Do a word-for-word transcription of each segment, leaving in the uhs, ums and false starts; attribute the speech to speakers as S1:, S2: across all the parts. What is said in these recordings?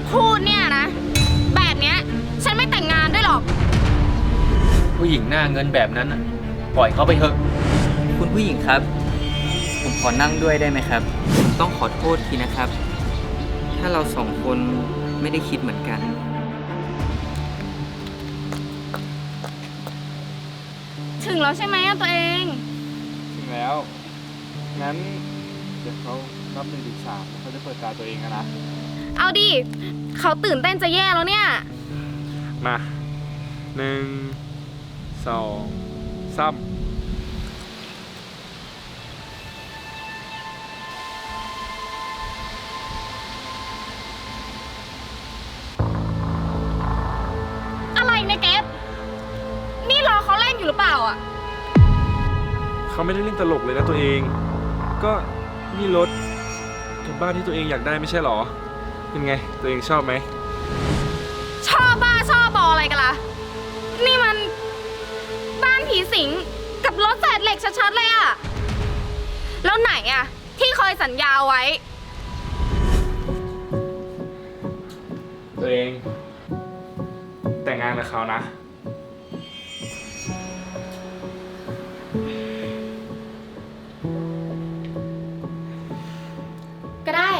S1: พูดเนี่ยนะแบบเนี้ยฉันไม่แต่งงานด้วยหรอก
S2: ผู้หญิงหน้าเงินแบบนั้นน่ะปล่อยเขาไปเถอะ
S3: คุณผู้หญิงครับ ผมขอนั่งด้วยได้ไหมครับผมต้องขอโทษทีนะครับ ถ้าเราสองคนไม่ได้คิดเหมือนกัน
S1: ถึงแล้วใช่ไหมอะตัวเอง
S4: ถึงแล้ว งั้นเดี๋ยวเขานับหนึ่งถึงสามแล้วเขาจะเปิดตาตัวเองนะ
S1: เอาดิเขาตื่นเต้นจะแย่แล้วเนี่ย
S4: มาหนึ่งสองสาม
S1: อะไรเนี่ยเกฟนี่รอเขาเล่นอยู่หรือเปล่าอ่ะ
S4: เขาไม่ได้เล่นตลกเลยนะตัวเอง ก็นี่รถกับบ้านที่ตัวเองอยากได้ไม่ใช่หรอ เป็นไงตัวเองชอบไหม
S1: ชอบบ้าชอบบออะไรกันล่ะ นี่มันบ้านผีสิงกับรถแสดเหล็กชัดๆเลยอ่ะ แล้วไหนอ่ะ ที่เคยสัญญาไว้
S4: ตัวเองแต่งงานกับเขานะ
S1: ก็ได้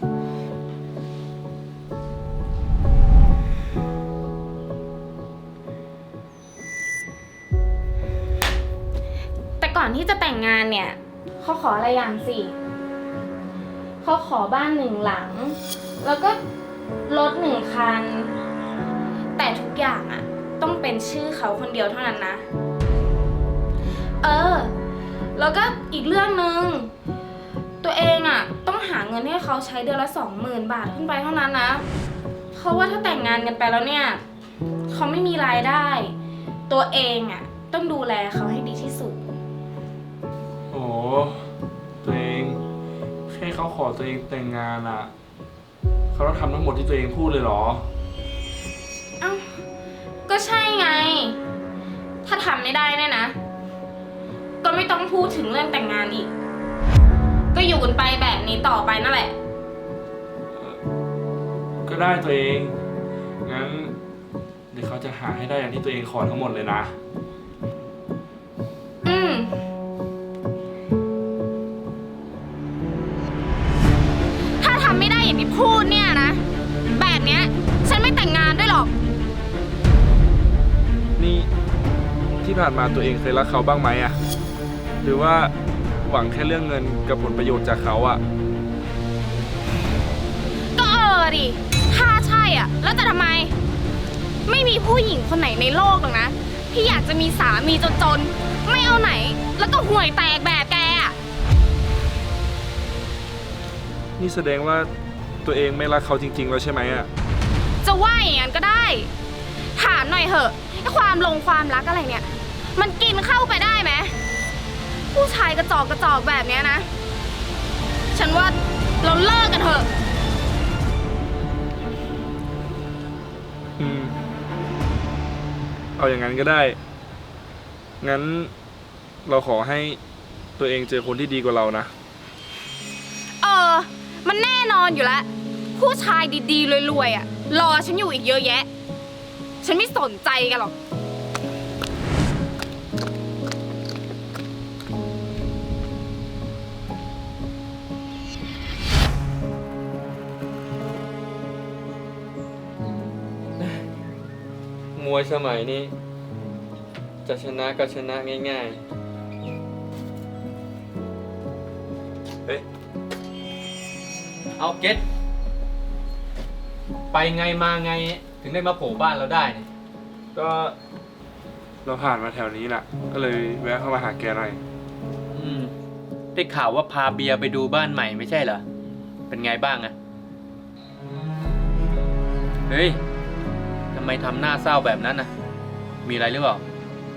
S1: แต่ก่อนที่จะแต่งงานเนี่ยเขาขออะไรอย่างสิเขาขอบ้านหนึ่งหลัง แล้วก็รถหนึ่งคัน แต่ทุกอย่างอะต้องเป็นชื่อเขาคนเดียวเท่านั้นนะ เออ แล้วก็อีกเรื่องหนึ่งตัวเองอะต้องหาเงินให้เขาใช้เดือนละสองหมื่นบาทขึ้นไปเท่านั้นนะเพราะว่าถ้าแต่งงานกันไปแล้วเนี่ยเขาไม่มีรายได้ ตัวเองอะต้องดูแลเขาให้ดีที่สุด
S4: โอ้ตัวเองแค่เขาขอตัวเองแต่งงานอ่ะ เขาต้องทำทั้งหมดที่ตัวเองพูดเลยเหรอ
S1: เอ้าก็ใช่ไง ถ้าทำไม่ได้เนี่ยนะ ก็ไม่ต้องพูดถึงเรื่องแต่งงานอีก ก็อยู่กันไปแบบนี้ต่อไปนั่นแหละ
S4: ก็ได้ตัวเอง งั้นเดี๋ยวเขาจะหาให้ได้อย่างที่ตัวเองขอทั้งหมดเลยนะ
S1: อืม ถ้าทำไม่ได้อย่างที่พูดเนี่ยนะ แบบเนี้ยฉันไม่แต่งงานด้วยหรอก
S4: นี่ที่ผ่านมาตัวเองเคยรักเขาบ้างไหมอะหรือว่าหวังแค่เรื่องเงินกับผลประโยชน์จากเขาอะ
S1: ก็เออดิ ถ้าใช่อ่ะ แล้วจะทำไม ไม่มีผู้หญิงคนไหนในโลกหรอกนะ ที่อยากจะมีสามีจนๆ ไม่เอาไหน แล้วก็ห่วยแตกแบบแกอ่ะ
S4: นี่แสดงว่าตัวเองไม่รักเขาจริงๆแล้วใช่ไหมอะ
S1: จะว่าอย่างนั้นก็ได้ ถามหน่อยเหอะไอ้ความลงความรักอะไรเนี่ย มันกินเข้าไปได้ไหม ผู้ชายกระจอกกระจอกแบบเนี้ยนะ ฉันว่าเราเลิกกันเถอะ
S4: อืม เอาอย่างนั้นก็ได้ งั้นเราขอให้ตัวเองเจอคนที่ดีกว่าเรานะ
S1: เออ มันแน่นอนอยู่แล้ว ผู้ชายดีๆรวยๆอ่ะ รอฉันอยู่อีกเยอะแยะ ฉันไม่สนใจกันหรอก
S2: มวยสมัยนี้ จะชนะก็ชนะง่ายๆเฮ้ยเอาเก็ตไปไงมาไงถึงได้มาโผล่บ้านเราได้เนี่ย
S4: ก็เราผ่านมาแถวนี้น่ะ ก็เลยแวะเข้ามาหาแกหน่อย
S2: อืมได้ข่าวว่าพาเบียร์ไปดูบ้านใหม่ไม่ใช่เหรอ เป็นไงบ้างอะเฮ้ยทำไมทำหน้าเศร้าแบบนั้นน่ะ มีอะไรหรือเปล่า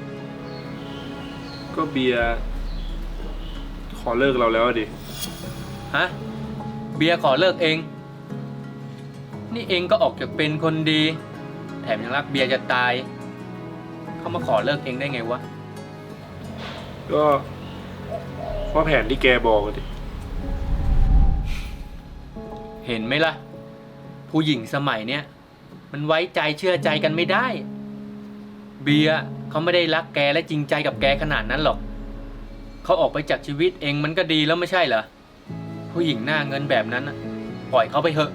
S4: ก็เบียร์ขอเลิกเราแล้วอะดิ
S2: ฮะ เบียร์ขอเลิกเอง นี่เองก็ออกจากเป็นคนดี แถมยังรักเบียร์จะตาย เขามาขอเลิกเองได้ไงวะ
S4: ก็เพราะแผนที่แกบอกอะดิ
S2: เห็นไหมล่ะผู้หญิงสมัยเนี้ยมันไว้ใจเชื่อใจกันไม่ได้ เบียร์เขาไม่ได้รักแกและจริงใจกับแกขนาดนั้นหรอกเขาออกไปจากชีวิตเองมันก็ดีแล้วไม่ใช่เหรอผู้หญิงหน้าเงินแบบนั้นน่ะปล่อยเขาไปเถอะ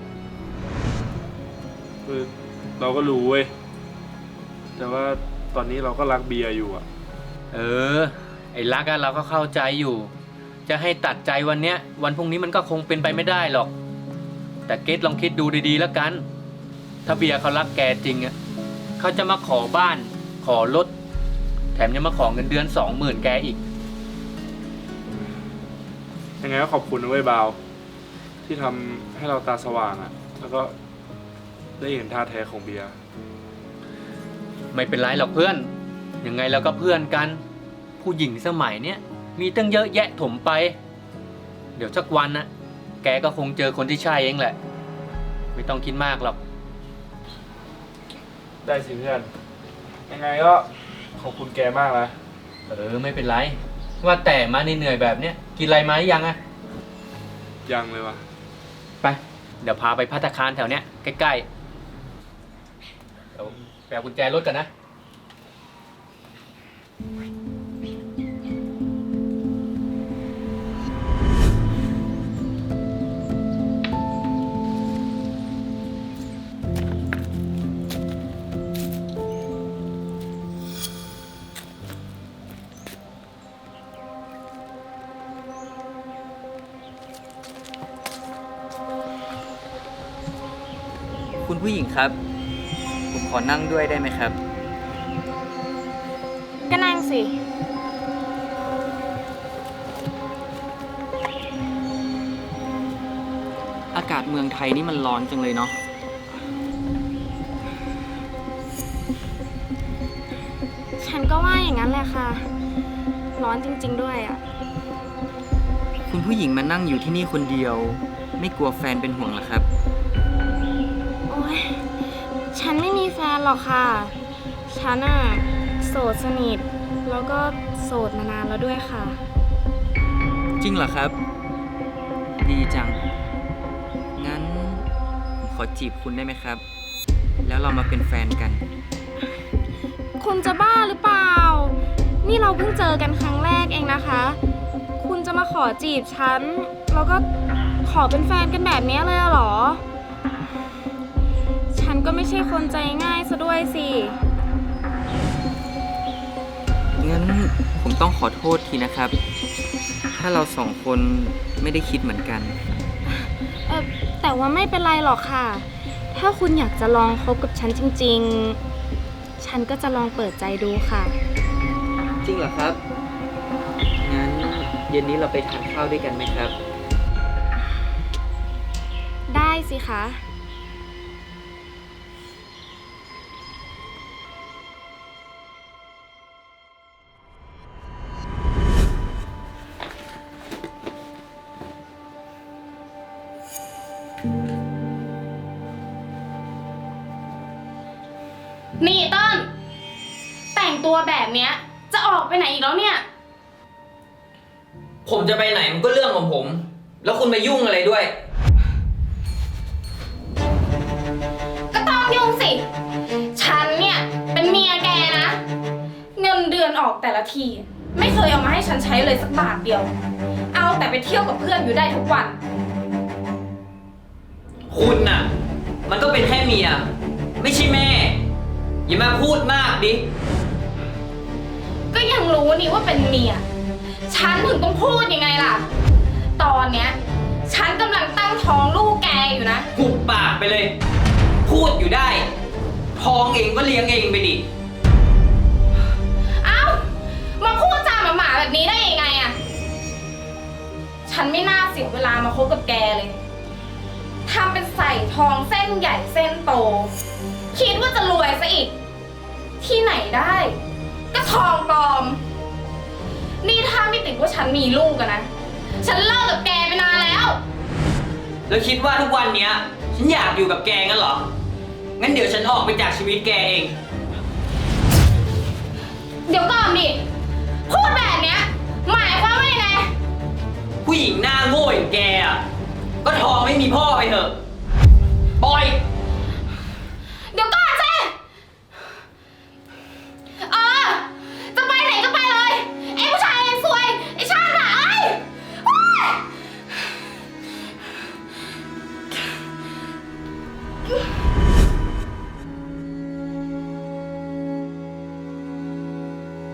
S4: คือเราก็รู้เว้ย แต่ว่าตอนนี้เราก็รักเบียร์อยู่อะ
S2: เออ ไอ้รักอะเราก็เข้าใจอยู่ จะให้ตัดใจวันเนี้ย วันพรุ่งนี้มันก็คงเป็นไปไม่ได้หรอก แต่เกตลองคิดดูดีๆแล้วกัน ถ้าเบียร์เขารักแกจริงอะเขาจะมาขอบ้าน ขอรถ แถมยังมาขอเงินเดือนสองหมื่นแกอีก
S4: ยังไงก็ขอบคุณนะเว้ยบาว ที่ทำให้เราตาสว่างอะแล้วก็ได้เห็นท่าแท้ของเบียร์
S2: ไม่เป็นไรหรอกเพื่อน ยังไงเราก็เพื่อนกัน ผู้หญิงสมัยเนี้ยมีตั้งเยอะแยะถมไป เดี๋ยวสักวันนะแกก็คงเจอคนที่ใช่เองแหละ ไม่ต้องคิดมากหรอก
S4: ได้สิเพื่อน ยังไงก็ขอบคุณแกมากนะ
S2: เออไม่เป็นไร ว่าแต่มาเหนื่อยๆแบบเนี้ยกินอะไรมาหรือยังอะ
S4: ยังเลยวะ
S2: ไป เดี๋ยวพาไปภัตตาคารแถวเนี้ยใกล้ๆเดี๋ยวแปลกุญแจรถกันนะ
S3: คุณผู้หญิงครับ ผมขอนั่งด้วยได้ไหมครับ
S1: ก็นั่งสิ
S3: อากาศเมืองไทยนี่มันร้อนจังเลยเนาะ
S1: ฉันก็ว่าอย่างนั้นแหละค่ะ ร้อนจริงๆด้วยอ่ะ
S3: คุณผู้หญิงมานั่งอยู่ที่นี่คนเดียว ไม่กลัวแฟนเป็นห่วงเหรอครับ
S1: โอ๊ย ฉันไม่มีแฟนหรอกค่ะ ฉันอะโสดสนิท แล้วก็โสดมานานแล้วด้วยค่ะ
S3: จริงเหรอครับ ดีจัง งั้นผมขอจีบคุณได้ไหมครับ แล้วเรามาเป็นแฟนกัน
S1: คุณจะบ้าหรือเปล่า นี่เราเพิ่งเจอกันครั้งแรกเองนะคะ คุณจะมาขอจีบฉัน แล้วก็ขอเป็นแฟนกันแบบนี้เลยเหรอ ฉันก็ไม่ใช่คนใจง่ายซะด้วยสิ
S3: งั้นผมต้องขอโทษทีนะครับ ถ้าเราสองคนไม่ได้คิดเหมือนกัน
S1: เออแต่ว่าไม่เป็นไรหรอกค่ะ ถ้าคุณอยากจะลองคบกับฉันจริงๆ ฉันก็จะลองเปิดใจดูค่ะ
S3: จริงเหรอครับ งั้นเย็นนี้เราไปทานข้าวด้วยกันไหมครับ
S1: ได้สิคะ นี่ต้น แต่งตัวแบบเนี้ย จะออกไปไหนอีกแล้วเนี่ย
S3: ผมจะไปไหนมันก็เรื่องของผม แล้วคุณมายุ่งอะไรด้วย
S1: ก็ต้องยุ่งสิ ฉันเนี่ยเป็นเมียแกนะ เงินเดือนออกแต่ละที ไม่เคยเอามาให้ฉันใช้เลยสักบาทเดียว เอาแต่ไปเที่ยวกับเพื่อนอยู่ได้ทุกวัน
S3: คุณน่ะ มันก็เป็นแค่เมีย ไม่ใช่แม่ อย่ามาพูดมากดิ
S1: ก็ยังรู้นี่ว่าเป็นเมีย ฉันถึงต้องพูดยังไงล่ะ ตอนเนี้ย ฉันกำลังตั้งท้องลูกแกอยู่นะ
S3: หุบปากไปเลย พูดอยู่ได้ ท้องเองก็เลี้ยงเองไปดิ
S1: เอ้า มาพูดจาหมาๆแบบนี้ได้ยังไงอะฉันไม่น่าเสียเวลามาคบกับแกเลย ทำเป็นใส่ทองเส้นใหญ่เส้นโต คิดว่าจะรวยซะอีก ที่ไหนได้ ก็ทองปลอม นี่ถ้าไม่ติดว่าฉันมีลูกอะนะ ฉันเลิกกับแกไปนานแล้ว
S3: แล้วคิดว่าทุกวันเนี้ย ฉันอยากอยู่กับแกงั้นเหรอ งั้นเดี๋ยวฉันออกไปจากชีวิตแกเอง
S1: เดี๋ยวก่อนดิ พูดแบบเนี้ย หมายความว่ายังไง
S3: ผู้หญิงหน้าโง่อย่างแกอ่ะ ก็ท้องไม่มีพ่อไปเถอะ